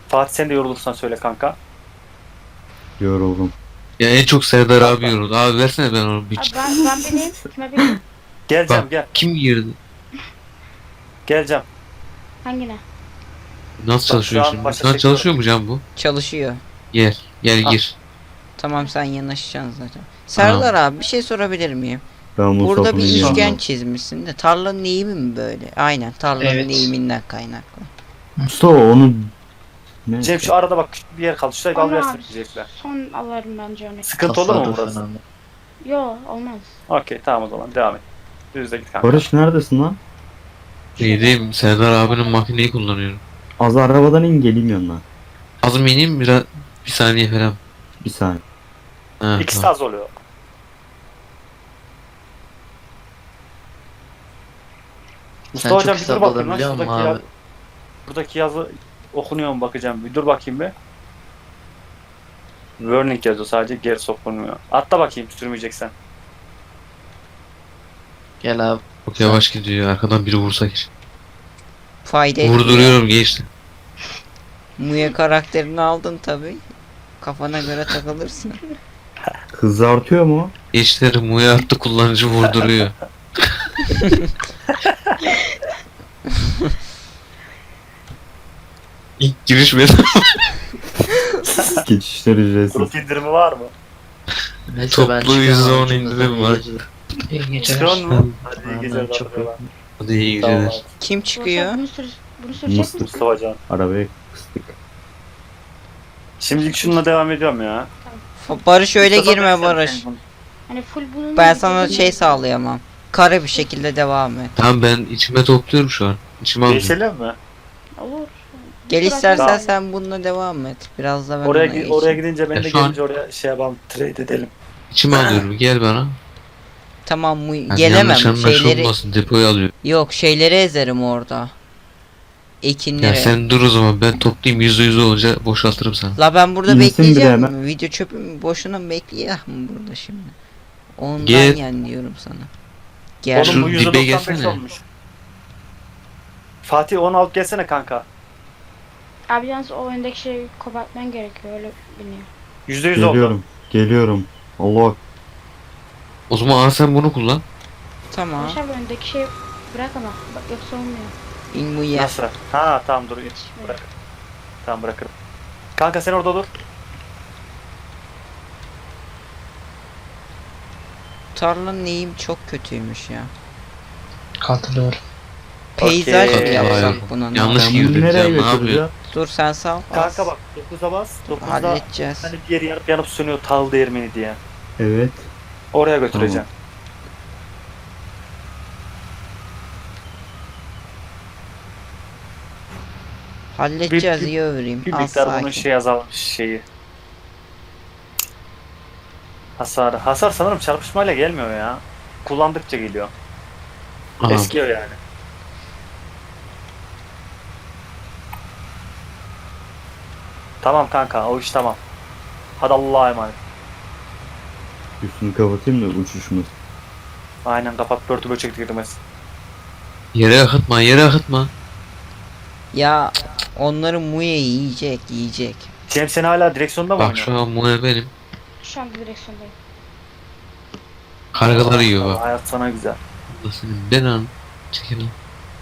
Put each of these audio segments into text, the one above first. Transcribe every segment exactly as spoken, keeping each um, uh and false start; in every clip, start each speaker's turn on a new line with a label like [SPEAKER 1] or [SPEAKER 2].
[SPEAKER 1] Fatih sen de yorulursan söyle kanka.
[SPEAKER 2] Yoruldum.
[SPEAKER 3] Ya en çok Serdar abi yoruldu. Abi versene ben onu bir.
[SPEAKER 4] Abi ben, ben bineyim. Kime bineyim?
[SPEAKER 1] Gel Cem
[SPEAKER 3] Bak
[SPEAKER 1] gel.
[SPEAKER 3] kim girdi?
[SPEAKER 1] Gel Cem.
[SPEAKER 4] Hangine?
[SPEAKER 3] Nasıl
[SPEAKER 1] şu
[SPEAKER 3] çalışıyor
[SPEAKER 1] an
[SPEAKER 3] şimdi?
[SPEAKER 1] başa
[SPEAKER 3] Şu an
[SPEAKER 1] çekiyorum.
[SPEAKER 3] çalışıyor mu Can bu?
[SPEAKER 5] Çalışıyor.
[SPEAKER 3] Gel. Gel
[SPEAKER 1] Ha.
[SPEAKER 3] gir.
[SPEAKER 5] Tamam sen yanaşacaksın zaten. Serdar abi bir şey sorabilir miyim?
[SPEAKER 2] Ben
[SPEAKER 5] Burada bir
[SPEAKER 2] Mustafa'nın
[SPEAKER 5] üçgen
[SPEAKER 2] yanındayım.
[SPEAKER 5] çizmişsin de tarlanın eğimi mi böyle? Aynen tarlanın
[SPEAKER 6] Evet.
[SPEAKER 5] eğiminden kaynaklı.
[SPEAKER 2] Mustafa onu... Ne?
[SPEAKER 1] Cem şu arada bak küçük bir yer kaldı. Şurayı al
[SPEAKER 4] Onu
[SPEAKER 1] versin
[SPEAKER 4] abi
[SPEAKER 1] diyecekler.
[SPEAKER 4] son alırım bence onu.
[SPEAKER 1] Sıkıntı olur mu
[SPEAKER 6] Tasarruf
[SPEAKER 1] burası?
[SPEAKER 6] önemli.
[SPEAKER 4] Yo olmaz.
[SPEAKER 1] Okey tamam o zaman devam et. Düzde git kanka.
[SPEAKER 2] Barış neredesin lan?
[SPEAKER 3] İyiyim. Serdar abinin makineyi kullanıyorum.
[SPEAKER 2] Az arabadan in geleyim yanına.
[SPEAKER 3] Az mı ineyim biraz bir saniye falan.
[SPEAKER 2] Bir saniye.
[SPEAKER 3] Ha,
[SPEAKER 1] İkisi de
[SPEAKER 3] tamam.
[SPEAKER 1] az oluyor.
[SPEAKER 6] Sen
[SPEAKER 1] Mustafa
[SPEAKER 6] çok
[SPEAKER 1] hocam bir dur
[SPEAKER 6] hesap
[SPEAKER 1] bakayım lan
[SPEAKER 6] alabiliyor musun
[SPEAKER 1] şuradaki, ya,
[SPEAKER 6] abi?
[SPEAKER 1] buradaki yazı okunuyor mu bakacağım. Bir dur bakayım bir. Warning yazıyor sadece geri sokulmuyor. Atla bakayım sürmeyeceksen.
[SPEAKER 6] Gel abi.
[SPEAKER 3] Çok yavaş gidiyor. Arkadan biri vursa gir.
[SPEAKER 5] Fayda etmiyor.
[SPEAKER 3] Vurduruyorum geçti.
[SPEAKER 5] Muye karakterini aldın tabi. Kafana göre takılırsın.
[SPEAKER 2] Hızı artıyor mu?
[SPEAKER 3] Geçleri muya attı kullanıcı vurduruyor. İlk giriş benim.
[SPEAKER 2] Geçişler ücretsiz.
[SPEAKER 1] Grup indirimi var mı?
[SPEAKER 6] Neyse
[SPEAKER 3] Toplu
[SPEAKER 6] ben çıkıyorum
[SPEAKER 3] yüzde on
[SPEAKER 6] abi, cümleten
[SPEAKER 3] indirim
[SPEAKER 6] iyi
[SPEAKER 3] var.
[SPEAKER 6] geceler. İyi geceler.
[SPEAKER 1] Çıkıyor mu? Hadi iyi
[SPEAKER 6] Aynen,
[SPEAKER 1] geceler.
[SPEAKER 6] çok
[SPEAKER 1] Çok
[SPEAKER 6] yok.
[SPEAKER 3] Hadi iyi
[SPEAKER 1] Tamam
[SPEAKER 3] geceler.
[SPEAKER 1] abi.
[SPEAKER 5] Kim çıkıyor?
[SPEAKER 4] Bunu, sür, bunu sürecek
[SPEAKER 2] Mustafa.
[SPEAKER 4] misin?
[SPEAKER 1] Mustafa Can.
[SPEAKER 2] Arabaya kıstık.
[SPEAKER 1] Şimdilik şununla devam ediyorum ya.
[SPEAKER 5] Barış öyle
[SPEAKER 1] Mustafa
[SPEAKER 5] girme
[SPEAKER 1] ben
[SPEAKER 5] Barış.
[SPEAKER 1] sen-
[SPEAKER 4] Hani full bunu
[SPEAKER 5] Ben sana şey sağlayamam. Kare bir şekilde devam et.
[SPEAKER 3] Tamam ben içime topluyorum şu an. İçime alıyorum.
[SPEAKER 1] Değişelim mi?
[SPEAKER 4] Olur.
[SPEAKER 5] Gel
[SPEAKER 4] Bırak-
[SPEAKER 5] istersen
[SPEAKER 1] Tamam.
[SPEAKER 5] sen bununla devam et. Biraz da ben
[SPEAKER 1] Oraya
[SPEAKER 5] ona
[SPEAKER 1] gi- oraya
[SPEAKER 5] geçeyim.
[SPEAKER 1] gidince ben
[SPEAKER 3] Ya
[SPEAKER 1] de
[SPEAKER 3] şu an-
[SPEAKER 1] gelince oraya şey yapalım, trade edelim.
[SPEAKER 3] İçime alıyorum. Gel bana.
[SPEAKER 5] Tamam mu
[SPEAKER 3] Yani
[SPEAKER 5] gelemem.
[SPEAKER 3] yanlış
[SPEAKER 5] Şeyleri
[SPEAKER 3] anlaşılmasın. Depoyu alıyor.
[SPEAKER 5] yok şeyleri ezerim orada. Ekinleri.
[SPEAKER 3] Ya sen dur o zaman ben toplayayım yüzde yüz olunca boşaltırım sana.
[SPEAKER 5] La ben burada
[SPEAKER 2] İnsin biri
[SPEAKER 5] bekleyeceğim.
[SPEAKER 2] hemen.
[SPEAKER 5] Video çöpüm boşuna mı bekleyeyim burada şimdi. Ondan
[SPEAKER 3] Gel.
[SPEAKER 5] yani diyorum sana. Gel.
[SPEAKER 1] Oğlum bu
[SPEAKER 3] Şu
[SPEAKER 1] yüzde
[SPEAKER 3] dibe
[SPEAKER 1] doksan beş
[SPEAKER 3] gelsene.
[SPEAKER 1] olmuş. Fatih onu alıp gelsene kanka.
[SPEAKER 4] Abi yalnız o öndeki şeyi kopartman gerekiyor öyle biniyor.
[SPEAKER 1] yüzde yüz oldu.
[SPEAKER 2] Geliyorum. Geliyorum. Allah.
[SPEAKER 3] O zaman al sen bunu kullan.
[SPEAKER 5] Tamam.
[SPEAKER 4] Barış abi öndeki şeyi bırak ama bak yoksa olmuyor.
[SPEAKER 5] İn bu yer.
[SPEAKER 1] Nasıl? Ha tamam dur.
[SPEAKER 4] Yetişmiyor.
[SPEAKER 1] Bırak. Tamam bırakırım. Kanka sen orada dur.
[SPEAKER 5] Tarlanın eğim çok kötüymüş ya.
[SPEAKER 6] Katılıyorum.
[SPEAKER 5] Peyzaj mı
[SPEAKER 1] Okey.
[SPEAKER 5] yapsak bunun?
[SPEAKER 3] Yanlış
[SPEAKER 2] Ben
[SPEAKER 3] girdim
[SPEAKER 2] bunu nereye
[SPEAKER 3] Can, ne
[SPEAKER 2] götüreceğim?
[SPEAKER 3] yapıyor?
[SPEAKER 5] Dur sen sal.
[SPEAKER 1] Kanka bak dokuza bas. dokuzda
[SPEAKER 5] Halledeceğiz.
[SPEAKER 1] hani bir yeri yanıp yanıp sönüyor tahıl değirmeni diye.
[SPEAKER 2] Evet.
[SPEAKER 1] Oraya götüreceğim.
[SPEAKER 5] Halledeceğiz
[SPEAKER 1] Bir- bir-
[SPEAKER 5] iyi övereyim.
[SPEAKER 1] Bir
[SPEAKER 5] Az
[SPEAKER 1] miktar bunun
[SPEAKER 5] sakin.
[SPEAKER 1] şey azalmış şeyi. Hasarı. Hasar sanırım çarpışmayla gelmiyor ya. Kullandıkça geliyor.
[SPEAKER 3] Aha.
[SPEAKER 1] Eskiyor yani. Tamam kanka o iş tamam. Hadi Allah'a emanet.
[SPEAKER 2] Üstünü kapatayım da uçuşmaz.
[SPEAKER 1] Aynen kapat börtü böcek girmez.
[SPEAKER 3] Yere akıtma yere akıtma.
[SPEAKER 5] Ya onları Muye yiyecek yiyecek.
[SPEAKER 1] Cem sen hala direksiyonda mı
[SPEAKER 3] Bak
[SPEAKER 1] oynuyorsun?
[SPEAKER 3] şu an muya benim.
[SPEAKER 4] Şu an direksiyondayım.
[SPEAKER 3] Kargalar yiyor
[SPEAKER 1] Allah,
[SPEAKER 3] bak.
[SPEAKER 1] hayat sana güzel.
[SPEAKER 3] Nasıl ben an. Çekil lan.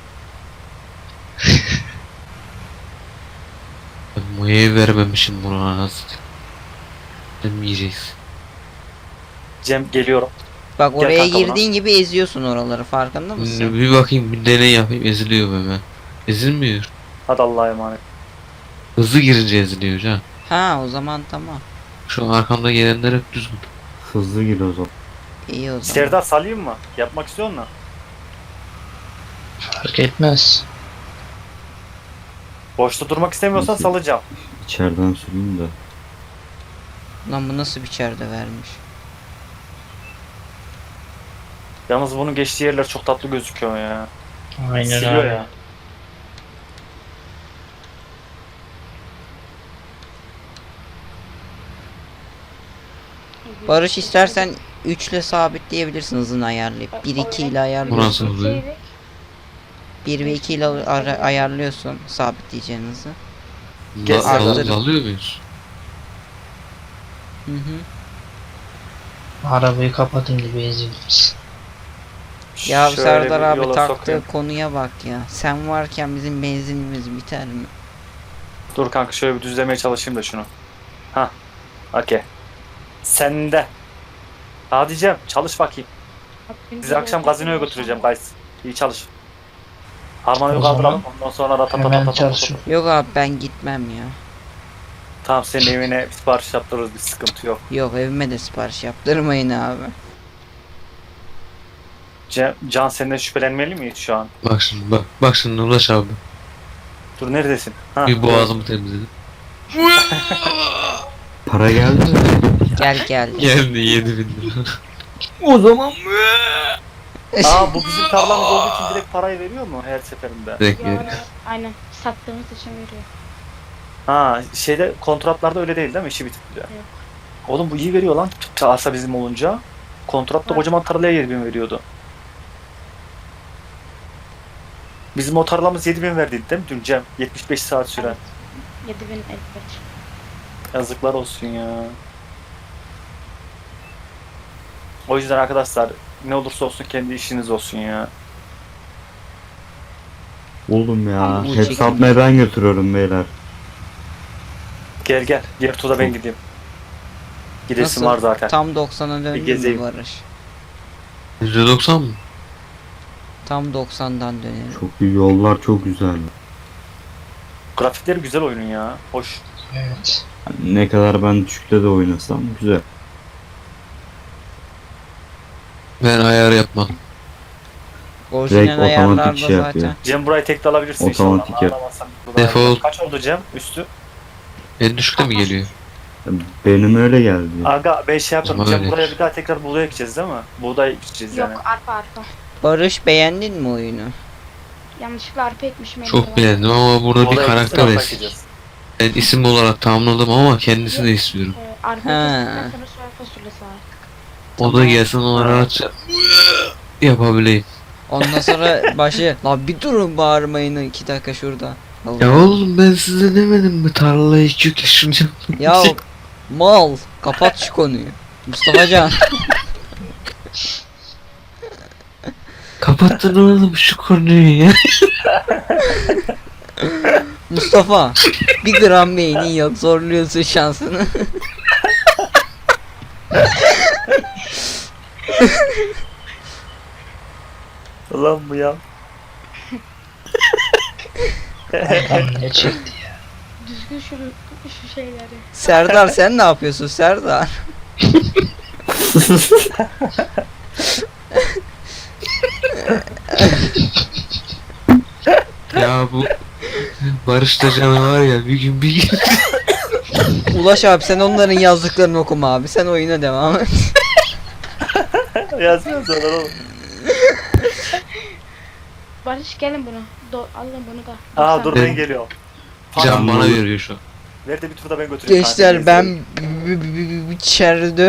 [SPEAKER 3] Ben muyayı vermemişim buna nasıl. Sen mi yiyeceksin?
[SPEAKER 1] Cem geliyorum.
[SPEAKER 5] Bak
[SPEAKER 1] Gel
[SPEAKER 5] oraya
[SPEAKER 1] kanka buna.
[SPEAKER 5] girdiğin gibi eziyorsun oraları farkında mısın?
[SPEAKER 3] Bir bakayım bir deney yapayım eziliyor be ben. Ezilmiyor.
[SPEAKER 1] Hadi Allah'a emanet.
[SPEAKER 3] Hızlı girince eziliyor ha.
[SPEAKER 5] Ha o zaman tamam.
[SPEAKER 3] Şu an arkamda gelenler hep düzgün.
[SPEAKER 2] Hızlı gir o zaman.
[SPEAKER 5] İyi o zaman.
[SPEAKER 1] Serdar salayım mı? Yapmak istiyor musun?
[SPEAKER 6] Fark etmez.
[SPEAKER 1] Boşta durmak istemiyorsan
[SPEAKER 2] Nasıl?
[SPEAKER 1] salacağım.
[SPEAKER 2] İçeriden süreyim de.
[SPEAKER 5] Lan bu nasıl bir çerde vermiş?
[SPEAKER 1] Yalnız bunun geçtiği yerler çok tatlı gözüküyor ya.
[SPEAKER 6] Aynen
[SPEAKER 1] Siliyor
[SPEAKER 6] abi.
[SPEAKER 1] ya.
[SPEAKER 5] Barış istersen üç ile sabitleyebilirsin hızını ayarlayıp. bir iki ile
[SPEAKER 3] Bu
[SPEAKER 5] ayarlıyorsun.
[SPEAKER 3] nasıl oluyor?
[SPEAKER 5] bir ve iki ile ara- ayarlıyorsun sabitleyeceğin hızı.
[SPEAKER 1] Gez
[SPEAKER 3] La, dal-
[SPEAKER 5] Hazırım.
[SPEAKER 3] dalıyor muyuz?
[SPEAKER 5] Hı hı.
[SPEAKER 6] Arabayı kapatın gibi eziliriz.
[SPEAKER 5] Ya
[SPEAKER 1] Şöyle
[SPEAKER 5] Serdar
[SPEAKER 1] bir
[SPEAKER 5] abi
[SPEAKER 1] yola
[SPEAKER 5] taktığı
[SPEAKER 1] sokayım.
[SPEAKER 5] konuya bak ya. Sen varken bizim benzinimiz biter mi?
[SPEAKER 1] Dur kanka şöyle bir düzlemeye çalışayım da şunu. Ha. Okey. Sende. Hadi Cem çalış bakayım. Sizi akşam gazinoya götüreceğim guys. İyi çalış. Harmanı
[SPEAKER 6] O
[SPEAKER 1] kaldıralım.
[SPEAKER 6] zaman
[SPEAKER 1] Ondan sonra da
[SPEAKER 6] Hemen çalışın.
[SPEAKER 5] Yok abi ben gitmem ya.
[SPEAKER 1] Tamam senin evine sipariş yaptırırız bir sıkıntı yok.
[SPEAKER 5] Yok evime de sipariş yaptırmayın abi.
[SPEAKER 1] Cem, Can senden şüphelenmeli miyiz şu an?
[SPEAKER 3] Bak şimdi bak. Bak şimdi Ulaş abi.
[SPEAKER 1] Dur neredesin? Ha.
[SPEAKER 3] Bir boğazımı temizledim.
[SPEAKER 2] Para geldi mi?
[SPEAKER 5] Gel gel.
[SPEAKER 3] Geldi yedi bin lira.
[SPEAKER 5] O zaman
[SPEAKER 1] Aa bu bizim tarlamız olduğu için direkt parayı veriyor mu her seferinde?
[SPEAKER 3] Direkt
[SPEAKER 4] Ya,
[SPEAKER 3] veriyor.
[SPEAKER 4] aynen. Sattığımız için veriyor.
[SPEAKER 1] Ha şeyde kontratlarda öyle değil değil mi? İşi bitince.
[SPEAKER 4] Yok.
[SPEAKER 1] Oğlum bu iyi veriyor lan. Arsa bizim olunca. Kontratta
[SPEAKER 4] Var.
[SPEAKER 1] kocaman tarlaya yedi bin veriyordu. Bizim o tarlamız yedi bin verdiydi değil mi dün Cem? yetmiş beş saat süren.
[SPEAKER 4] Evet. yedi bin elli beş.
[SPEAKER 1] Yazıklar olsun ya. O yüzden arkadaşlar ne olursa olsun kendi işiniz olsun ya.
[SPEAKER 2] Oğlum ya.
[SPEAKER 5] Bu
[SPEAKER 2] Hep
[SPEAKER 5] çekim-
[SPEAKER 2] satmaya ben götürüyorum beyler.
[SPEAKER 1] Gel gel. Diğer turda ben gideyim. Gidesim
[SPEAKER 5] Nasıl?
[SPEAKER 1] var zaten.
[SPEAKER 5] Tam doksana döndün
[SPEAKER 1] gezeyim.
[SPEAKER 5] mü Barış?
[SPEAKER 3] yüzde doksan mı?
[SPEAKER 5] Tam doksandan dönelim.
[SPEAKER 2] Çok iyi yollar çok güzel.
[SPEAKER 1] Grafikleri güzel oyunun ya. Hoş.
[SPEAKER 6] Evet.
[SPEAKER 2] Ne kadar ben düşükte de oynasam güzel.
[SPEAKER 3] Ben ayar yapmam.
[SPEAKER 5] Orijinal
[SPEAKER 2] Direkt otomatik
[SPEAKER 5] ayarlarda
[SPEAKER 2] şey yapıyor.
[SPEAKER 5] zaten.
[SPEAKER 1] Cem burayı tek de alabilirsin
[SPEAKER 2] Otomatik
[SPEAKER 1] inşallah.
[SPEAKER 2] yap.
[SPEAKER 1] Ağlamazsan.
[SPEAKER 3] Defol.
[SPEAKER 1] Kaç oldu Cem üstü?
[SPEAKER 3] En düşükte mi geliyor?
[SPEAKER 2] Benim öyle geldi.
[SPEAKER 1] Aga ben şey yaparım.
[SPEAKER 3] Ama
[SPEAKER 1] Cem
[SPEAKER 3] öyle.
[SPEAKER 1] buraya bir daha tekrar buğday ekeceğiz değil mi? Buğday ekeceğiz yani.
[SPEAKER 4] Yok arpa arpa.
[SPEAKER 5] Barış beğendin mi oyunu?
[SPEAKER 4] Yanlışlıkla arpa ekmişim.
[SPEAKER 3] Çok
[SPEAKER 4] elime.
[SPEAKER 3] beğendim ama burada bir
[SPEAKER 1] Buğday
[SPEAKER 3] karakter
[SPEAKER 1] ekeceğiz,
[SPEAKER 3] es.
[SPEAKER 1] ekeceğiz.
[SPEAKER 3] Ben isim olarak tamamladım ama kendisini de istiyorum.
[SPEAKER 4] Ee, arpa
[SPEAKER 5] Ha.
[SPEAKER 4] ektikten sonra soya fasulyesi var.
[SPEAKER 3] O da gelsin ona rahatça yapabileyim.
[SPEAKER 5] Ondan sonra başı la bir durun bağırmayın iki dakika şurada. Allah.
[SPEAKER 3] Ya oğlum ben size demedim mi tarlayı iki yük taşınacağım.
[SPEAKER 5] Ya mal kapat şu konuyu. Mustafa Can.
[SPEAKER 3] Kapattın oğlum şu konuyu ya.
[SPEAKER 5] Mustafa bir gram beynin yok zorluyorsun şansını.
[SPEAKER 1] Ulan bu ya.
[SPEAKER 6] Adam ne çekti ya.
[SPEAKER 4] Düzgün şu, şu şeyleri.
[SPEAKER 5] Serdar sen ne yapıyorsun Serdar?
[SPEAKER 3] Ya bu Barış'ta canavar ya bir gün bir gün.
[SPEAKER 5] Ulaş abi sen onların yazdıklarını okuma abi sen oyuna devam et.
[SPEAKER 1] Yazmıyor sonra oğlum.
[SPEAKER 4] Barış gelin bunu. Do alın bunu da.
[SPEAKER 1] Aa
[SPEAKER 4] doksan.
[SPEAKER 1] dur ben geliyorum.
[SPEAKER 3] Can bana veriyor şu an.
[SPEAKER 1] Ver de bir turda ben götüreyim.
[SPEAKER 5] Gençler
[SPEAKER 1] kanka,
[SPEAKER 5] ben
[SPEAKER 1] gezeyim.
[SPEAKER 5] b- b- b- içeride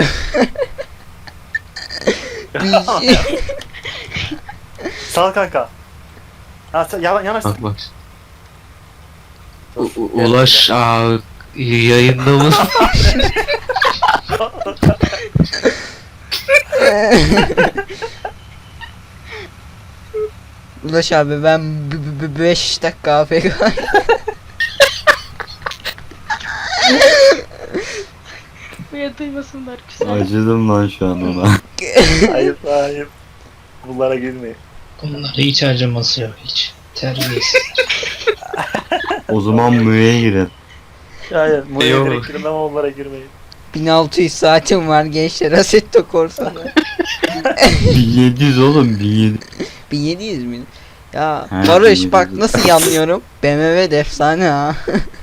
[SPEAKER 5] bir-
[SPEAKER 1] Sağ ol kanka. Ha sen yana, yanaşsın.
[SPEAKER 3] Bak bak.
[SPEAKER 1] Dur,
[SPEAKER 3] U- u-
[SPEAKER 1] gel
[SPEAKER 3] Ulaş aa, yayında mı?
[SPEAKER 5] Ulaş abi ben beş dakika A F K.
[SPEAKER 4] Buraya duymasınlar güzel.
[SPEAKER 2] Acıdım lan şu an ona.
[SPEAKER 1] Ayıp ayıp. Bunlara girmeyin.
[SPEAKER 6] Bunlara hiç harcaması yok hiç. Terbiyesiz.
[SPEAKER 2] O zaman müye girin.
[SPEAKER 1] Hayır. Buraya
[SPEAKER 3] Eyvallah.
[SPEAKER 1] direkt girin ama onlara girmeyin.
[SPEAKER 5] bin altı yüz saatim var gençler Assetto Corsa'da.
[SPEAKER 2] bin yedi yüz oğlum bin yedi yüz.
[SPEAKER 5] bin yedi yüz mi? Ya
[SPEAKER 2] He,
[SPEAKER 5] Barış
[SPEAKER 2] bin yedi
[SPEAKER 5] bak
[SPEAKER 2] yüz.
[SPEAKER 5] nasıl yanlıyorum. B M W de efsane ha.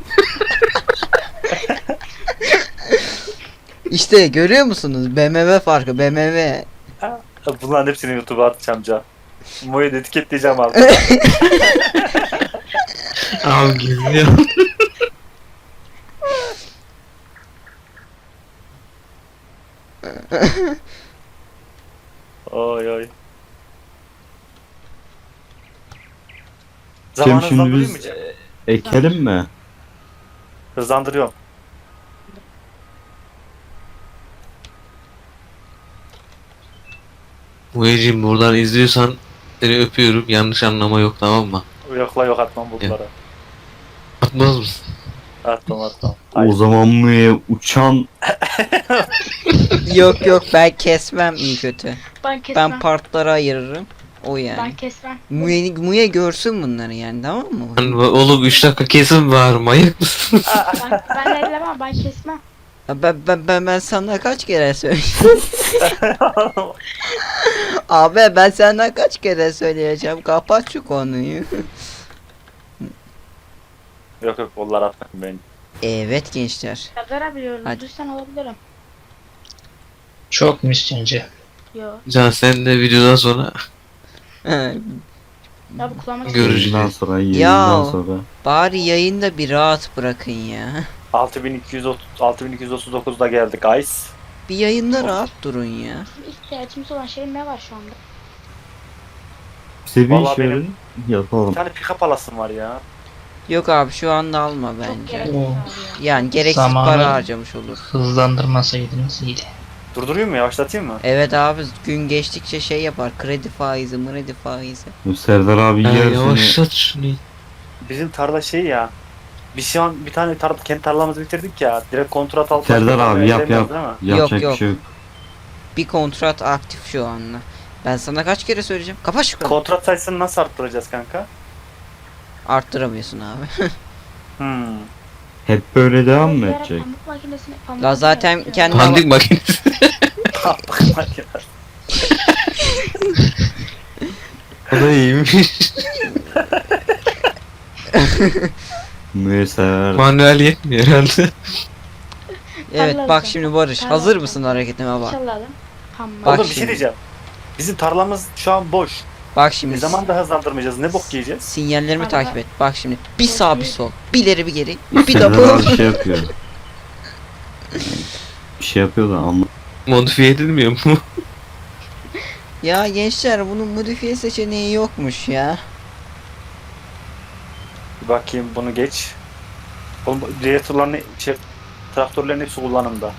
[SPEAKER 5] İşte görüyor musunuz? B M W farkı B M W.
[SPEAKER 1] Bunların hepsini YouTube'a atacağım Can. Moyu da etiketleyeceğim abi.
[SPEAKER 3] Abi geliyor.
[SPEAKER 2] Cem
[SPEAKER 1] Oy oy. Zamanınızdan
[SPEAKER 2] şimdi
[SPEAKER 1] durayım mı
[SPEAKER 2] biz
[SPEAKER 1] Cem?
[SPEAKER 2] e, ekelim mi?
[SPEAKER 1] Hızlandırıyorum.
[SPEAKER 3] Muheciğim buradan izliyorsan seni öpüyorum. Yanlış anlama yok, tamam mı?
[SPEAKER 1] Yok la yok atmam bulutlara.
[SPEAKER 3] Atmaz mısın?
[SPEAKER 1] Atmam atmam.
[SPEAKER 2] O
[SPEAKER 1] Hayır.
[SPEAKER 2] zaman Muye uçan
[SPEAKER 5] Yok yok ben kesmem iyi kötü.
[SPEAKER 4] Ben kesmem.
[SPEAKER 5] Ben partlara ayırırım. O
[SPEAKER 4] Ben
[SPEAKER 5] yani.
[SPEAKER 4] kesmem.
[SPEAKER 5] Muye, Muye görsün bunları yani, tamam mı?
[SPEAKER 3] Lan oğlum üç dakika kesin var, manyak mısın?
[SPEAKER 4] Ben, ben ellemem, ben kesmem.
[SPEAKER 5] Ya Ben, ben, ben, ben sana kaç kere söyledim. Abi ben sana kaç kere söyleyeceğim. Kapat şu konuyu.
[SPEAKER 1] Yok yok onlar atmam ben.
[SPEAKER 5] Evet gençler.
[SPEAKER 4] Serdar abi diyorum.
[SPEAKER 5] Hadi.
[SPEAKER 4] Duysan olabilirim.
[SPEAKER 6] Çok mu üstünce?
[SPEAKER 4] Yo.
[SPEAKER 3] Can sen de videodan sonra
[SPEAKER 4] Ya bu kulağıma
[SPEAKER 3] Göreceğiz.
[SPEAKER 2] yayından sonra
[SPEAKER 5] Ya.
[SPEAKER 2] yayından sonra.
[SPEAKER 5] Bari yayında bir rahat bırakın ya.
[SPEAKER 1] altı bin iki yüz otuz altı bin iki yüz otuz dokuzda geldik guys.
[SPEAKER 5] Bir yayında rahat durun ya.
[SPEAKER 4] Bizim ihtiyacımız olan şey ne var şu anda?
[SPEAKER 2] Bize bir
[SPEAKER 1] Vallahi
[SPEAKER 2] iş verin yapalım.
[SPEAKER 1] Bir tane pick-up alasım var ya.
[SPEAKER 5] Yok abi şu anda alma
[SPEAKER 4] Çok
[SPEAKER 5] bence.
[SPEAKER 4] gereksiz
[SPEAKER 6] Oo.
[SPEAKER 4] abi ya.
[SPEAKER 5] Yani gereksiz
[SPEAKER 6] Zamanı-
[SPEAKER 5] para harcamış olur.
[SPEAKER 6] Hızlandırmasaydınız iyiydi.
[SPEAKER 1] Durdurayım mı yavaşlatayım mı?
[SPEAKER 5] Evet abi gün geçtikçe şey yapar. Kredi faizi, mredi faizi.
[SPEAKER 2] Serdar abi
[SPEAKER 3] Ha,
[SPEAKER 2] yarısını
[SPEAKER 3] yavaşlat şunu.
[SPEAKER 1] Bizim tarla şey ya. Biz şu an bir tane tar kendi tarlamızı bitirdik ya. Direkt kontrat alıp
[SPEAKER 2] Serdar
[SPEAKER 1] başka
[SPEAKER 2] abi yap
[SPEAKER 1] veremiyoruz
[SPEAKER 2] yap.
[SPEAKER 1] değil mi?
[SPEAKER 2] Yapacak
[SPEAKER 5] yok.
[SPEAKER 2] bir şey yok.
[SPEAKER 5] Bir kontrat aktif şu anda. Ben sana kaç kere söyleyeceğim. Kapat şu konuyu.
[SPEAKER 1] Kontrat sayısını nasıl arttıracağız kanka?
[SPEAKER 5] Arttıramıyorsun abi.
[SPEAKER 1] Hmm.
[SPEAKER 2] Hep böyle devam mı
[SPEAKER 4] Bir ara
[SPEAKER 2] edecek?
[SPEAKER 4] Pamuk makinesini pamuk
[SPEAKER 5] La zaten
[SPEAKER 4] makinesi
[SPEAKER 5] kendi-
[SPEAKER 4] yapıyor.
[SPEAKER 3] Pandik makinesi. O da iyiymiş.
[SPEAKER 2] Muye sever.
[SPEAKER 3] Manuel yetmiyor herhalde.
[SPEAKER 5] Evet
[SPEAKER 4] Tarla
[SPEAKER 5] bak
[SPEAKER 4] alacağım.
[SPEAKER 5] şimdi Barış.
[SPEAKER 4] Tarla
[SPEAKER 5] Hazır
[SPEAKER 4] alacağım.
[SPEAKER 5] mısın hareketime bak.
[SPEAKER 4] Çalalım. Tamam.
[SPEAKER 5] Bak
[SPEAKER 1] Oğlum bir şey
[SPEAKER 5] şimdi.
[SPEAKER 1] diyeceğim. Bizim tarlamız şu an boş.
[SPEAKER 5] Bak
[SPEAKER 1] Ne
[SPEAKER 5] şimdi.
[SPEAKER 1] zaman da hızlandırmayacağız? Ne bok yiyeceğiz?
[SPEAKER 5] Sinyallerimi
[SPEAKER 4] Tarla-
[SPEAKER 5] takip et. Bak şimdi. Bir sağ bir sol. Bir ileri bir geri. Bir
[SPEAKER 2] Serdar
[SPEAKER 5] double.
[SPEAKER 2] abi şey yapıyor. Bir şey yapıyor da ama
[SPEAKER 3] Modifiye edilmiyor mu?
[SPEAKER 5] Ya gençler bunun modifiye seçeneği yokmuş ya.
[SPEAKER 1] Bir bakayım bunu geç. Oğlum diğer turların şey, traktörlerin hepsi kullanımda.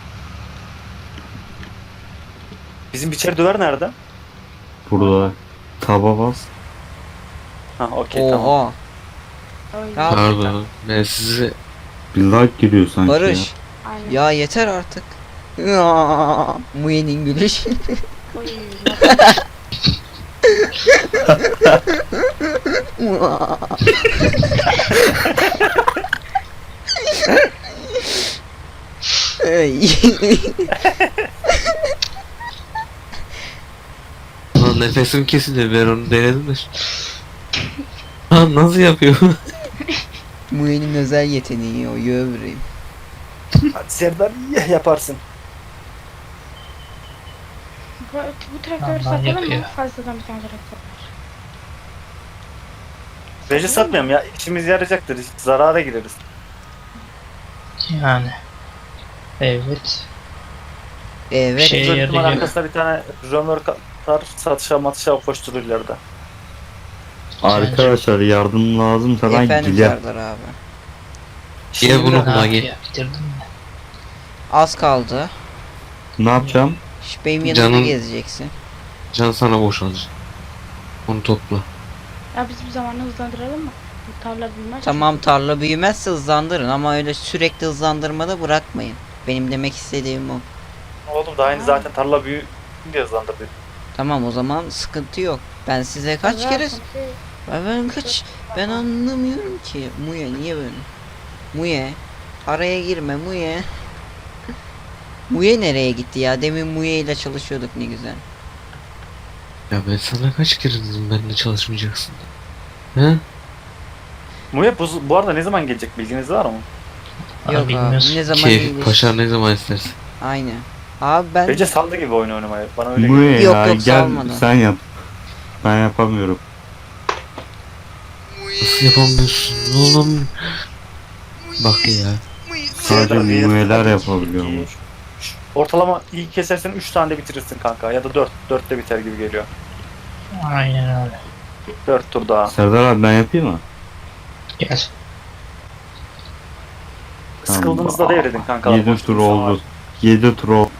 [SPEAKER 1] Bizim biçer döver nerede?
[SPEAKER 2] burada taba bas.
[SPEAKER 1] Ha okey tamam.
[SPEAKER 5] Oha.
[SPEAKER 4] Öyle.
[SPEAKER 5] Ya-
[SPEAKER 3] Pardon. Ben size
[SPEAKER 2] Bir like giriyor sanki ya.
[SPEAKER 5] Barış.
[SPEAKER 4] Aynen.
[SPEAKER 5] Ya yeter artık. Ya, Muye'nin gülüşü.
[SPEAKER 4] Oy,
[SPEAKER 5] Ay.
[SPEAKER 3] Lan nefesim kesildi, ben onu denedim de. Lan nasıl yapıyor?
[SPEAKER 5] Muye'nin özel yeteneği o yövreyim.
[SPEAKER 1] Hadi Serdar iyi yaparsın.
[SPEAKER 4] bu, bu traktörü
[SPEAKER 6] Allah
[SPEAKER 4] satalım mı?
[SPEAKER 6] yapıyor.
[SPEAKER 4] Fazladan bir tane traktör var.
[SPEAKER 1] Bence satmayalım ya. İşimiz yarayacaktır. Zarara gireriz.
[SPEAKER 6] Yani. Evet.
[SPEAKER 5] Evet.
[SPEAKER 6] Şey-
[SPEAKER 1] Dört numara
[SPEAKER 6] yarayacak.
[SPEAKER 1] arkasında bir tane römork atar satışa matışa koşturur ileride.
[SPEAKER 2] Arkadaşlar yardım lazımsa ben
[SPEAKER 5] Efendim
[SPEAKER 2] giderim.
[SPEAKER 5] Serdar abi.
[SPEAKER 3] Niye bunu
[SPEAKER 6] Ne
[SPEAKER 3] buna
[SPEAKER 6] yapıyor?
[SPEAKER 3] gel?
[SPEAKER 6] Bitirdin mi?
[SPEAKER 5] Az kaldı.
[SPEAKER 2] Ne yapacağım?
[SPEAKER 5] Şş, benim yanımda
[SPEAKER 3] Canım-
[SPEAKER 5] gezeceksin.
[SPEAKER 3] Can sana boşalacak. Onu topla.
[SPEAKER 4] Ya biz bir zamanı hızlandıralım mı? Bu tarla büyümez.
[SPEAKER 5] Tamam tarla büyümezse hızlandırın ama öyle sürekli hızlandırmada bırakmayın. Benim demek istediğim o.
[SPEAKER 1] Oğlum daha yeni zaten tarla büyü diye hızlandırdı.
[SPEAKER 5] Tamam o zaman sıkıntı yok. Ben size kaç
[SPEAKER 4] Zaten
[SPEAKER 5] kere...
[SPEAKER 4] şey-
[SPEAKER 5] Ben, ben kaç... Ben anlamıyorum ki. Muye niye böyle? Muye. Araya girme Muye. Muye nereye gitti ya? Demin Muye ile çalışıyorduk ne güzel.
[SPEAKER 3] Ya ben sana kaç kere dedim benimle çalışmayacaksın. He?
[SPEAKER 1] Muye bu, bu arada ne zaman gelecek bilginiz var mı?
[SPEAKER 6] Aa,
[SPEAKER 5] Yok abi
[SPEAKER 6] bilmiyorsun.
[SPEAKER 5] ne zaman
[SPEAKER 3] Keyif
[SPEAKER 5] iyileşir?
[SPEAKER 3] paşa ne zaman istersen.
[SPEAKER 5] Aynen. Abi ben...
[SPEAKER 1] Bence saldı gibi oyun oynamayı. Bana öyle geliyor.
[SPEAKER 2] Muye
[SPEAKER 5] Yok,
[SPEAKER 2] ya
[SPEAKER 5] yok,
[SPEAKER 2] gel
[SPEAKER 5] salmadı.
[SPEAKER 2] sen yap. Ben yapamıyorum.
[SPEAKER 3] Nasıl yapamıyorsun oğlum? Bak ya.
[SPEAKER 2] Sadece muyeler yapabiliyormuş.
[SPEAKER 1] Ortalama iyi kesersen üç tane de bitirirsin kanka ya da dört. dört de biter gibi geliyor.
[SPEAKER 6] Aynen öyle.
[SPEAKER 1] dört tur daha.
[SPEAKER 2] Serdar abi ben yapayım mı?
[SPEAKER 6] Gel.
[SPEAKER 1] Sıkıldığınızda devredin kankalar.
[SPEAKER 2] yedi
[SPEAKER 1] Boş
[SPEAKER 2] tur
[SPEAKER 1] dursun
[SPEAKER 2] oldu.
[SPEAKER 1] abi.
[SPEAKER 2] yedi tur oldu.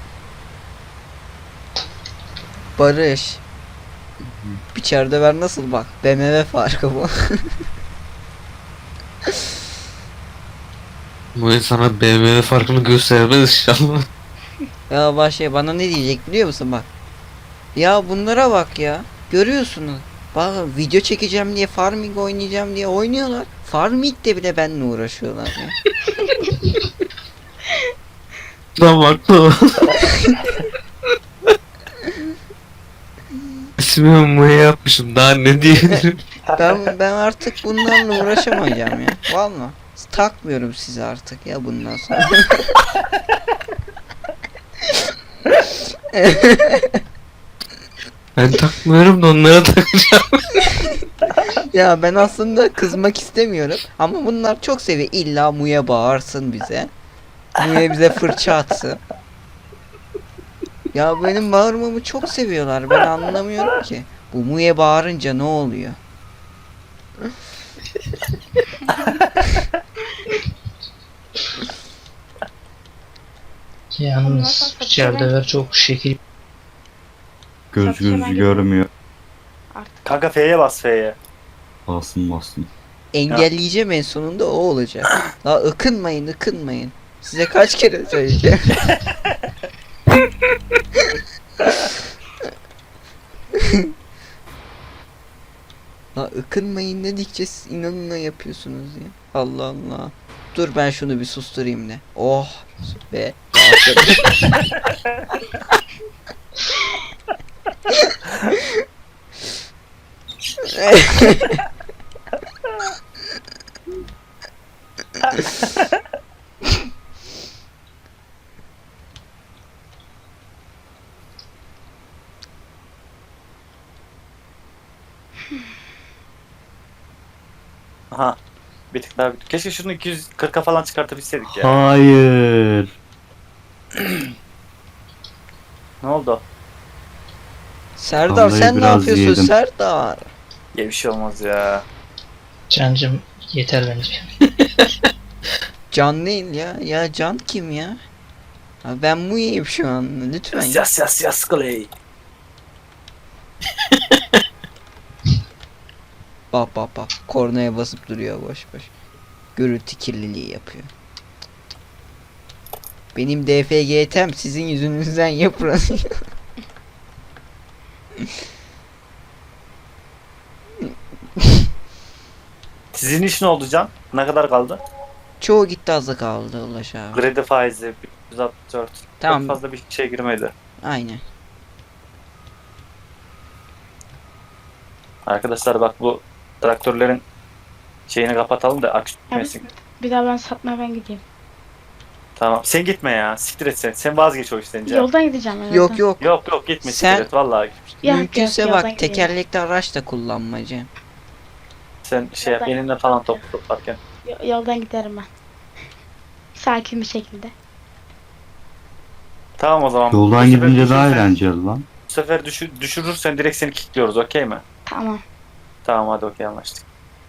[SPEAKER 5] Barış. İçeride ver nasıl bak. B M W farkı bu.
[SPEAKER 3] Bu sana B M W farkını göstermez inşallah.
[SPEAKER 5] Ya başka bana ne diyecek biliyor musun bak. Ya bunlara bak ya. Görüyorsunuz. Bak video çekeceğim diye farming oynayacağım diye oynuyorlar. Farming'de bile benimle uğraşıyorlar ya.
[SPEAKER 3] Lan bakma. İsmimi Muye yapmışım, daha ne diyebilirim?
[SPEAKER 5] Ben ben artık bunlarla uğraşamayacağım ya. Vallahi takmıyorum sizi artık ya bundan sonra.
[SPEAKER 3] Ben takmıyorum da onlara takacağım.
[SPEAKER 5] Ya ben aslında kızmak istemiyorum ama bunlar çok seviyor. İlla Muye bağırsın bize. Muye bize fırça atsın. Ya benim bağırmamı çok seviyorlar. Ben anlamıyorum ki. Bu Muye bağırınca ne oluyor?
[SPEAKER 6] Yalnız içeride ver çok şekil.
[SPEAKER 2] Göz
[SPEAKER 4] Satışa ben
[SPEAKER 2] gözü görmüyor.
[SPEAKER 4] Artık.
[SPEAKER 1] Kanka F'ye bas F'ye.
[SPEAKER 2] Basın basın.
[SPEAKER 5] Engelleyeceğim en sonunda o olacak. La ıkınmayın ıkınmayın. Size kaç kere söyleyeceğim. La ıkınmayın dedikçe siz inanına yapıyorsunuz ya. Allah Allah. Dur ben şunu bir susturayım ne. Oh be. rahatladım.
[SPEAKER 1] Aha. Bir tık daha. Keşke şunu iki yüz kırka falan çıkartabilseydik ya.
[SPEAKER 2] Hayır.
[SPEAKER 1] Ne oldu?
[SPEAKER 5] Serdar
[SPEAKER 2] Vallahi
[SPEAKER 5] sen ne
[SPEAKER 2] biraz
[SPEAKER 5] yapıyorsun
[SPEAKER 2] yedim.
[SPEAKER 5] Serdar?
[SPEAKER 1] Ya bir şey olmaz ya.
[SPEAKER 6] Cancım yeter bence.
[SPEAKER 5] Can değil ya. Ya Can kim ya? Ha, ben Muye'yim şu an. Lütfen
[SPEAKER 1] Yas
[SPEAKER 5] ya.
[SPEAKER 1] yas yas yas Clay.
[SPEAKER 5] Bak bak bak. Kornaya basıp duruyor boş boş. Gürültü kirliliği yapıyor. Benim D F G T'm sizin yüzünüzden yıpranıyor.
[SPEAKER 1] Sizin iş ne oldu Can? Ne kadar kaldı?
[SPEAKER 5] Çoğu gitti azı kaldı Ulaş abi.
[SPEAKER 1] Kredi faizi yüz altmış dört.
[SPEAKER 5] Tamam.
[SPEAKER 1] Çok fazla bir şey girmedi.
[SPEAKER 5] Aynen.
[SPEAKER 1] Arkadaşlar bak bu traktörlerin şeyini kapatalım da akü gitmesin.
[SPEAKER 4] Bir daha ben satmaya ben gideyim.
[SPEAKER 1] Tamam. Sen gitme ya. Siktir et sen. Sen vazgeç o işten Can.
[SPEAKER 4] Yoldan gideceğim ben.
[SPEAKER 5] Yok yok.
[SPEAKER 1] Yok yok gitme
[SPEAKER 5] Sen-
[SPEAKER 1] siktir et vallahi.
[SPEAKER 4] Ya,
[SPEAKER 5] Mümkünse
[SPEAKER 4] yok, yoldan
[SPEAKER 5] bak
[SPEAKER 4] gideyim.
[SPEAKER 5] tekerlekli araç da kullanmacı.
[SPEAKER 1] Sen şey yap
[SPEAKER 4] Yoldan-
[SPEAKER 1] elinle falan top toplarken.
[SPEAKER 4] Yo- Yoldan giderim ben. Sakin bir şekilde.
[SPEAKER 1] Tamam o zaman. Bu
[SPEAKER 2] Yoldan
[SPEAKER 1] sefer
[SPEAKER 2] gidince daha
[SPEAKER 1] düşürürsen-
[SPEAKER 2] eğlenceli lan.
[SPEAKER 1] Bu sefer düşü, düşürürsen direkt seni kilitliyoruz okey mi?
[SPEAKER 4] Tamam.
[SPEAKER 1] Tamam hadi okey anlaştık.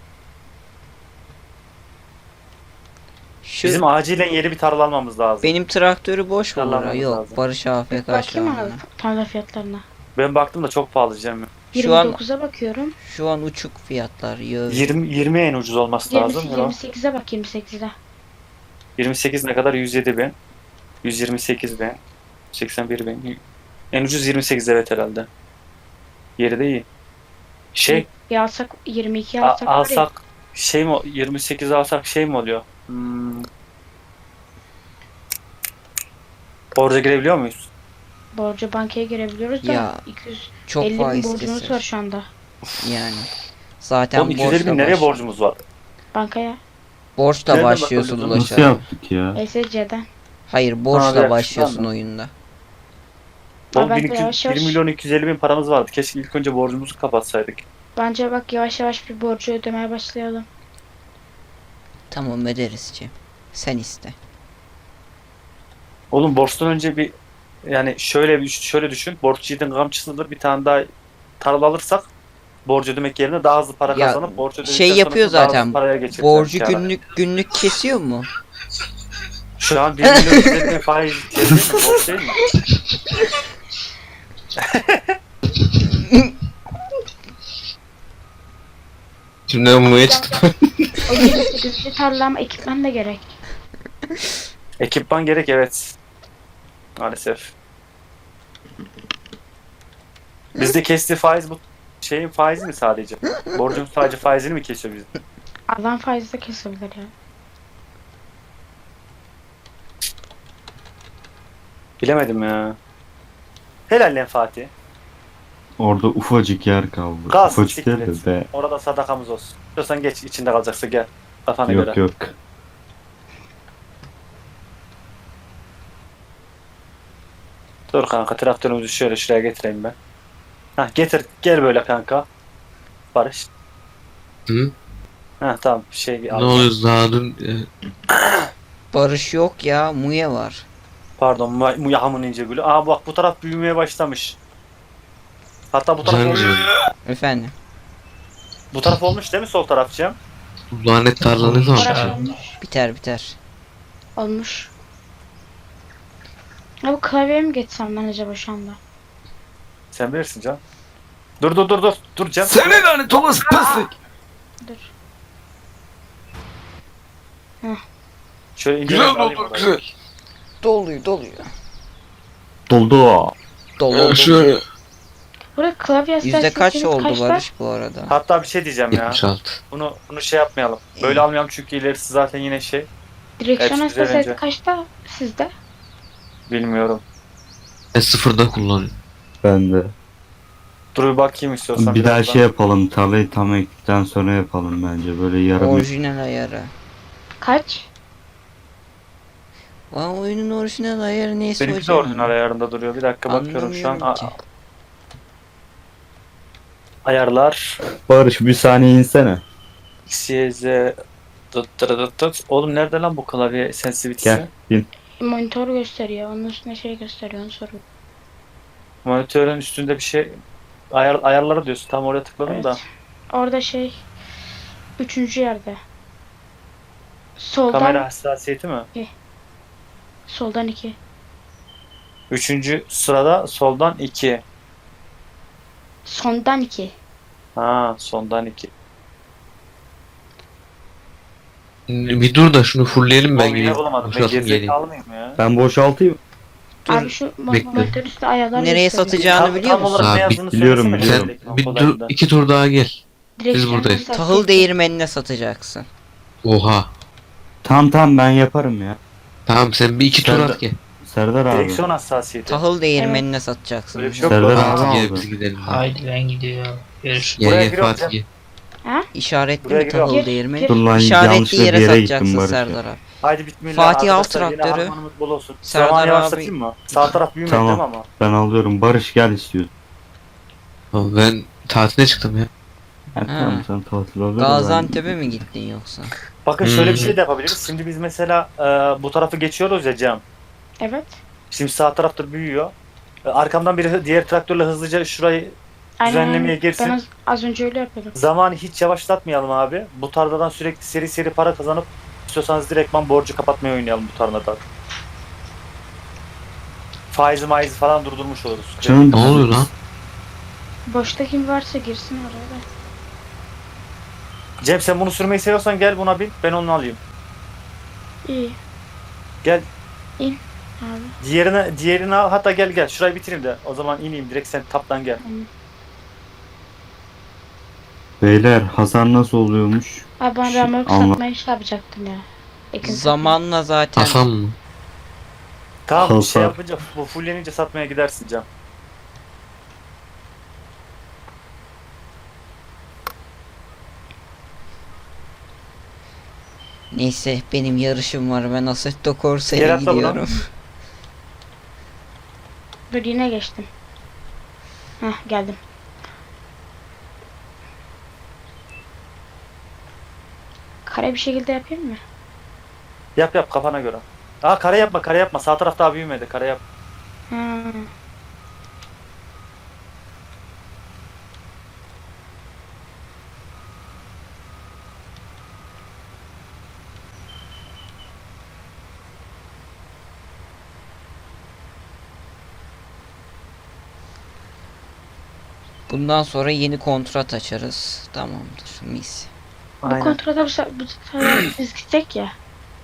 [SPEAKER 5] Şu
[SPEAKER 1] Bizim acilen yeni bir tarla almamız lazım.
[SPEAKER 5] benim traktörü boş mu?
[SPEAKER 1] Yalanlamamız
[SPEAKER 5] Bora? Yok.
[SPEAKER 1] lazım.
[SPEAKER 5] Barış A F K şu
[SPEAKER 4] Bakayım
[SPEAKER 5] anda.
[SPEAKER 4] abi tarla fiyatlarına.
[SPEAKER 1] Ben baktım da çok pahalı Cem.
[SPEAKER 5] Şu an
[SPEAKER 4] yirmi dokuza bakıyorum.
[SPEAKER 5] şu an uçuk fiyatlar. Yo.
[SPEAKER 1] yirmi yirmi en ucuz olması lazım.
[SPEAKER 4] yirmi,
[SPEAKER 1] Yok.
[SPEAKER 4] yirmi sekize bak yirmi sekize.
[SPEAKER 1] yirmi sekiz ne kadar? yüz yedi bin. yüz yirmi sekiz bin. seksen bir bin. En ucuz yirmi sekiz evet herhalde. Yeri de iyi. Şey
[SPEAKER 4] Bir alsak yirmi iki
[SPEAKER 1] a-
[SPEAKER 4] alsak, var ya,
[SPEAKER 1] alsak şey mi yirmi sekiz alsak şey mi oluyor? Hmm. Borca girebiliyor muyuz?
[SPEAKER 4] borcu bankaya girebiliyoruz da
[SPEAKER 5] Ya,
[SPEAKER 4] iki yüz
[SPEAKER 5] Çok
[SPEAKER 4] elli bin
[SPEAKER 5] faiz
[SPEAKER 4] borcumuz
[SPEAKER 5] keser.
[SPEAKER 4] var şu anda.
[SPEAKER 5] Yani. Zaten
[SPEAKER 1] Oğlum iki yüz elli
[SPEAKER 5] borçla,
[SPEAKER 1] bin nereye
[SPEAKER 5] baş...
[SPEAKER 1] borcumuz var?
[SPEAKER 4] Bankaya.
[SPEAKER 5] borçla
[SPEAKER 1] Nereden
[SPEAKER 5] başlıyorsun
[SPEAKER 1] bakıyorsun?
[SPEAKER 5] Ulaş
[SPEAKER 2] Nasıl
[SPEAKER 5] abi.
[SPEAKER 2] yaptık ya?
[SPEAKER 4] E S C'den.
[SPEAKER 5] Hayır
[SPEAKER 1] Abi,
[SPEAKER 5] borçla
[SPEAKER 1] yakışıklı
[SPEAKER 5] başlıyorsun
[SPEAKER 1] ama.
[SPEAKER 5] oyunda.
[SPEAKER 1] Oğlum
[SPEAKER 4] ben
[SPEAKER 1] bir,
[SPEAKER 4] de
[SPEAKER 1] iki-
[SPEAKER 4] yavaş yavaş-
[SPEAKER 1] bir milyon iki yüz elli bin paramız vardı. Keşke ilk önce borcumuzu kapatsaydık.
[SPEAKER 4] Bence bak yavaş yavaş bir borcu ödemeye başlayalım.
[SPEAKER 5] Tamam öderiz Cem. Sen iste.
[SPEAKER 1] Oğlum borçtan önce bir yani şöyle bir şöyle düşün. Borç yiğidin kamçısıdır. Bir tane daha tarla alırsak borç ödemek yerine daha hızlı para
[SPEAKER 5] Ya,
[SPEAKER 1] kazanıp borç ödedikten
[SPEAKER 5] şey yapıyor
[SPEAKER 1] sonrasında daha hızlı
[SPEAKER 5] zaten,
[SPEAKER 1] paraya geçiririz
[SPEAKER 5] Borcu
[SPEAKER 1] kâra.
[SPEAKER 5] günlük günlük kesiyor mu?
[SPEAKER 1] Şu an bir milyon yüz elli bin faiz değil mi? Boş değil mi?
[SPEAKER 3] Şimdi ben Mu'ya çıktım.
[SPEAKER 4] O yirmi sekizli tarla ama ekipman da gerek.
[SPEAKER 1] Ekipman gerek, evet. Maalesef. Bizde kestiği faiz bu şeyin faizi mi sadece? Borcun sadece faizini mi kesiyor bizde?
[SPEAKER 4] Adam faizi de kesebilir ya.
[SPEAKER 1] Bilemedim ya. Helal lan Fatih.
[SPEAKER 2] Orada ufacık yer kaldı.
[SPEAKER 1] Gaz,
[SPEAKER 2] ufacık yer
[SPEAKER 1] siklet.
[SPEAKER 2] de be.
[SPEAKER 1] Orada sadakamız olsun. İstiyorsan geç, içinde kalacaksa gel. Kafana
[SPEAKER 2] Yok
[SPEAKER 1] göre.
[SPEAKER 2] yok.
[SPEAKER 1] Dur kanka, traktörümüzü şöyle şuraya getireyim ben. Hah, getir, gel böyle kanka. Barış.
[SPEAKER 3] Hı?
[SPEAKER 1] Hah tamam, şey
[SPEAKER 3] Ne oluyor daha dün e,
[SPEAKER 5] Barış yok ya, Muye var.
[SPEAKER 1] Pardon, Mu- Muyaham'ın ince gülü. Aa bak, bu taraf büyümeye başlamış. Hatta bu taraf
[SPEAKER 3] güzel
[SPEAKER 1] olmuş.
[SPEAKER 3] güzel.
[SPEAKER 5] Efendim.
[SPEAKER 1] Bu taraf olmuş değil mi, sol tarafçığım?
[SPEAKER 3] Bu lanet tarla ne zaman
[SPEAKER 4] Orası
[SPEAKER 3] biter?
[SPEAKER 4] olmuş.
[SPEAKER 5] Biter biter.
[SPEAKER 4] Olmuş. Ya bu klavyeye mi geçsem ben acaba şu anda?
[SPEAKER 1] Sen bilirsin Can. Dur dur dur dur. Dur Can.
[SPEAKER 2] Seni lanet olası pislik.
[SPEAKER 4] Dur.
[SPEAKER 1] Şöyle ince
[SPEAKER 3] Güzel
[SPEAKER 1] alayım
[SPEAKER 3] oldu
[SPEAKER 1] orayı.
[SPEAKER 3] güzel.
[SPEAKER 5] Doluyor doluyor.
[SPEAKER 2] Doldu.
[SPEAKER 5] Dolu dolu.
[SPEAKER 3] Şöyle.
[SPEAKER 4] Burada klavye
[SPEAKER 5] Yüzde kaç
[SPEAKER 4] hassasiyetiniz
[SPEAKER 5] oldu
[SPEAKER 4] kaçta?
[SPEAKER 5] Barış bu arada?
[SPEAKER 1] Hatta bir şey diyeceğim ya.
[SPEAKER 3] yetmiş altı.
[SPEAKER 1] Bunu bunu şey yapmayalım. Böyle
[SPEAKER 5] İyi.
[SPEAKER 1] almayalım çünkü ilerisi zaten yine şey.
[SPEAKER 4] Direksiyon
[SPEAKER 1] Hepsi güzel
[SPEAKER 4] hassasiyeti
[SPEAKER 1] bence.
[SPEAKER 4] kaçta sizde?
[SPEAKER 1] Bilmiyorum.
[SPEAKER 3] Ben sıfırda kullanıyorum.
[SPEAKER 2] Ben de.
[SPEAKER 1] Dur bir bakayım istiyorsan.
[SPEAKER 2] Bir daha
[SPEAKER 1] birazdan.
[SPEAKER 2] şey yapalım. Tarlayı tam ektikten sonra yapalım bence. Böyle yarım.
[SPEAKER 5] Orijinal ayarı.
[SPEAKER 4] Kaç?
[SPEAKER 5] Lan oyunun orijinal ayarı neyse
[SPEAKER 1] Benimki de
[SPEAKER 5] hocam.
[SPEAKER 1] orijinal ayarında duruyor. Bir dakika bakıyorum şu an.
[SPEAKER 5] Anlamıyorum ki.
[SPEAKER 1] A- ayarlar.
[SPEAKER 2] Barış bir saniye insene.
[SPEAKER 1] X, Y, Z. Dıt dırı dıt dıt. Oğlum nerede lan bu klavye sensitivity'si?
[SPEAKER 2] Gel. Bin.
[SPEAKER 4] Monitör gösteriyor. Onun üstüne şey gösteriyor. Onu soruyorum.
[SPEAKER 1] Monitörün üstünde bir şey. Ayar, ayarları diyorsun. Tam oraya tıkladım
[SPEAKER 4] Evet.
[SPEAKER 1] da.
[SPEAKER 4] Orada şey. Üçüncü yerde. Soldan.
[SPEAKER 1] Kamera hassasiyeti mi?
[SPEAKER 4] Soldan iki.
[SPEAKER 1] Üçüncü sırada soldan iki.
[SPEAKER 4] Sondan iki.
[SPEAKER 1] Ha, sondan iki.
[SPEAKER 3] Bir dur da şunu fullleyelim ben
[SPEAKER 1] Oğlum yine
[SPEAKER 3] geleyim.
[SPEAKER 1] bulamadım. Ben
[SPEAKER 3] Boşaltım geleyim.
[SPEAKER 1] gerizekalı mıyım ya?
[SPEAKER 2] Ben boşaltayım.
[SPEAKER 5] Dur.
[SPEAKER 4] Abi şu mo-
[SPEAKER 3] Bekle.
[SPEAKER 4] monitör üstü ayarlar
[SPEAKER 5] Nereye
[SPEAKER 4] gösteriyor.
[SPEAKER 5] satacağını
[SPEAKER 1] Tam-
[SPEAKER 5] biliyor
[SPEAKER 1] tam
[SPEAKER 5] musun?
[SPEAKER 1] olarak ne
[SPEAKER 3] Abi,
[SPEAKER 1] yazdığını
[SPEAKER 2] biliyorum,
[SPEAKER 1] söylesene
[SPEAKER 2] biliyorum.
[SPEAKER 1] şuradaki
[SPEAKER 3] Bir
[SPEAKER 1] noktalarında.
[SPEAKER 3] dur iki tur daha gel.
[SPEAKER 4] Direksiyon
[SPEAKER 3] buradayız.
[SPEAKER 4] hassasiyeti.
[SPEAKER 5] Tahıl değirmenine satacaksın.
[SPEAKER 3] Oha.
[SPEAKER 2] Tamam tamam ben yaparım ya.
[SPEAKER 3] Tamam sen bir iki tur
[SPEAKER 2] Ben de-
[SPEAKER 3] at gel.
[SPEAKER 2] Serdar abi.
[SPEAKER 1] Direksiyon hassasiyeti.
[SPEAKER 5] Tahıl değirmenine satacaksın.
[SPEAKER 1] Öyle bir şey yok.
[SPEAKER 2] Serdar
[SPEAKER 1] Aa,
[SPEAKER 2] abi
[SPEAKER 3] Fatih gel
[SPEAKER 2] aldı.
[SPEAKER 3] biz gidelim.
[SPEAKER 6] Haydi ben gidiyorum. Görüşürüz.
[SPEAKER 3] Gel
[SPEAKER 1] Buraya
[SPEAKER 3] gel
[SPEAKER 1] giriyorum
[SPEAKER 3] Fatih
[SPEAKER 1] Cem.
[SPEAKER 3] gel.
[SPEAKER 5] İşaretli
[SPEAKER 1] Buraya
[SPEAKER 5] mi
[SPEAKER 1] giriyorum.
[SPEAKER 5] tahıl
[SPEAKER 4] Gir,
[SPEAKER 5] değirmeni?
[SPEAKER 4] gir.
[SPEAKER 2] Dur lan
[SPEAKER 5] İşaretli
[SPEAKER 2] yanlışlıkla bir
[SPEAKER 5] yere
[SPEAKER 2] yere gittim
[SPEAKER 5] satacaksın
[SPEAKER 2] Barış.
[SPEAKER 5] Serdar abi.
[SPEAKER 1] Haydi bismillah.
[SPEAKER 5] Fatih al
[SPEAKER 1] Arkadaşlar, yine
[SPEAKER 5] traktörü.
[SPEAKER 1] harmanımız bol olsun.
[SPEAKER 5] Serdar
[SPEAKER 1] Zamanı
[SPEAKER 5] abi-
[SPEAKER 1] yavaşlatayım mı? Sağ taraf büyümedi
[SPEAKER 2] Tamam.
[SPEAKER 1] değil mi ama?
[SPEAKER 2] Ben alıyorum. Barış gel istiyorsun.
[SPEAKER 3] Tamam, ben tatile çıktım ya.
[SPEAKER 2] Ha,
[SPEAKER 5] Ha.
[SPEAKER 2] tamam sen tatil alır.
[SPEAKER 5] Gaziantep'e mi gittin yoksa?
[SPEAKER 1] Bakın şöyle bir
[SPEAKER 3] Hmm.
[SPEAKER 1] şey de yapabiliriz. Şimdi biz mesela e, bu tarafı geçiyoruz ya Cem.
[SPEAKER 4] Evet.
[SPEAKER 1] Şimdi sağ tarafta büyüyor. E, arkamdan biri diğer traktörle hızlıca şurayı
[SPEAKER 4] Aynen.
[SPEAKER 1] Düzenlemeye
[SPEAKER 4] aynen.
[SPEAKER 1] girsin.
[SPEAKER 4] Ben az, az önce öyle yapıyordum.
[SPEAKER 1] zamanı hiç yavaşlatmayalım abi. Bu tarladan sürekli seri seri para kazanıp istiyorsanız direktman borcu kapatmaya oynayalım bu tarladan. Faizi maizi falan durdurmuş oluruz.
[SPEAKER 2] Canım
[SPEAKER 3] Ne oluyor lan?
[SPEAKER 4] Boşta kim varsa girsin oraya da.
[SPEAKER 1] Cem sen bunu sürmeyi seviyorsan gel buna bin. Ben onu alayım.
[SPEAKER 4] İyi.
[SPEAKER 1] Gel.
[SPEAKER 4] İn abi.
[SPEAKER 1] Diğerine, diğerini al. Hatta gel gel. Şurayı bitireyim de. O zaman ineyim. Direkt sen taptan gel.
[SPEAKER 2] Beyler hasar nasıl oluyormuş?
[SPEAKER 4] Abi ben
[SPEAKER 2] Şu-
[SPEAKER 4] remork
[SPEAKER 2] anla-
[SPEAKER 4] satmayı şey yapacaktım ya. Ekin
[SPEAKER 5] Zamanla zaten
[SPEAKER 3] Hasan mı?
[SPEAKER 1] Tamam bir
[SPEAKER 2] Hasar.
[SPEAKER 1] şey yapınca bu fullenince satmaya gidersin Cem.
[SPEAKER 5] neyse benim yarışım var, ben Assetto Corsa'ya
[SPEAKER 1] Gel atla buna.
[SPEAKER 5] gidiyorum.
[SPEAKER 4] Dur yine geçtim. Hah geldim. Kare bir şekilde yapayım mı?
[SPEAKER 1] Yap yap kafana göre. Aa kare yapma kare yapma. Sağ taraf daha büyümedi. Kare yap.
[SPEAKER 4] Ha.
[SPEAKER 5] Bundan sonra yeni kontrat açarız. Tamamdır. Mis.
[SPEAKER 4] Bu
[SPEAKER 1] Aynen.
[SPEAKER 4] kontrata bu se- bu sefer biz gitsek ya.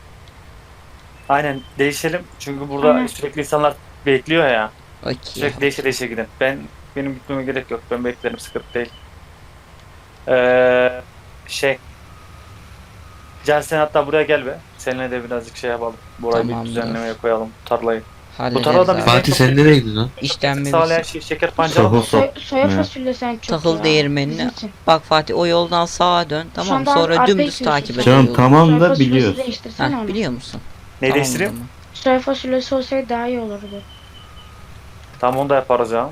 [SPEAKER 1] Aynen değişelim. Çünkü burada
[SPEAKER 4] Aynen.
[SPEAKER 1] sürekli insanlar bekliyor ya.
[SPEAKER 5] Okey.
[SPEAKER 1] Sürekli değişe değişe gidin. Ben benim gitmeme gerek yok. Ben beklerim, sıkıntı değil. Ee, şey. Can sen hatta buraya gel be. Seninle de birazcık şey yapalım. Burayı bir
[SPEAKER 5] Tamamdır.
[SPEAKER 1] düzenlemeye koyalım tarlayı.
[SPEAKER 5] Hallederiz
[SPEAKER 1] tarlada
[SPEAKER 5] abi.
[SPEAKER 1] biz-
[SPEAKER 3] Fatih sen nereye gidiyorsun lan?
[SPEAKER 5] İşlenme
[SPEAKER 1] Sağlayan
[SPEAKER 5] bitsin.
[SPEAKER 1] şey şeker pancarı mı?
[SPEAKER 2] Soğuk.
[SPEAKER 4] Soy, soya
[SPEAKER 2] Ne?
[SPEAKER 4] fasulye sen çok
[SPEAKER 5] Takıl
[SPEAKER 4] ya.
[SPEAKER 5] değirmenine.
[SPEAKER 4] Bizim için.
[SPEAKER 5] Bak Fatih o yoldan sağa dön. Tamam
[SPEAKER 4] anda
[SPEAKER 5] sonra
[SPEAKER 4] arkaya
[SPEAKER 5] dümdüz
[SPEAKER 4] gidiyorsun
[SPEAKER 5] takip
[SPEAKER 4] sen.
[SPEAKER 5] et.
[SPEAKER 2] Canım
[SPEAKER 5] o yolu.
[SPEAKER 2] tamam
[SPEAKER 4] Soya
[SPEAKER 2] da
[SPEAKER 4] fasulyesi
[SPEAKER 2] biliyoruz.
[SPEAKER 4] değiştirsene
[SPEAKER 5] Heh,
[SPEAKER 4] onu.
[SPEAKER 5] biliyor musun?
[SPEAKER 1] Ne
[SPEAKER 5] Tamam o
[SPEAKER 1] değiştireyim?
[SPEAKER 5] zaman.
[SPEAKER 4] Soya fasulyesi olsaydı daha iyi olurdu.
[SPEAKER 1] Tamam onu da yaparız ya.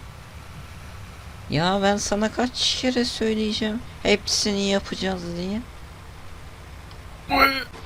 [SPEAKER 5] Ya ben sana kaç kere söyleyeceğim. Hepsini yapacağız diye.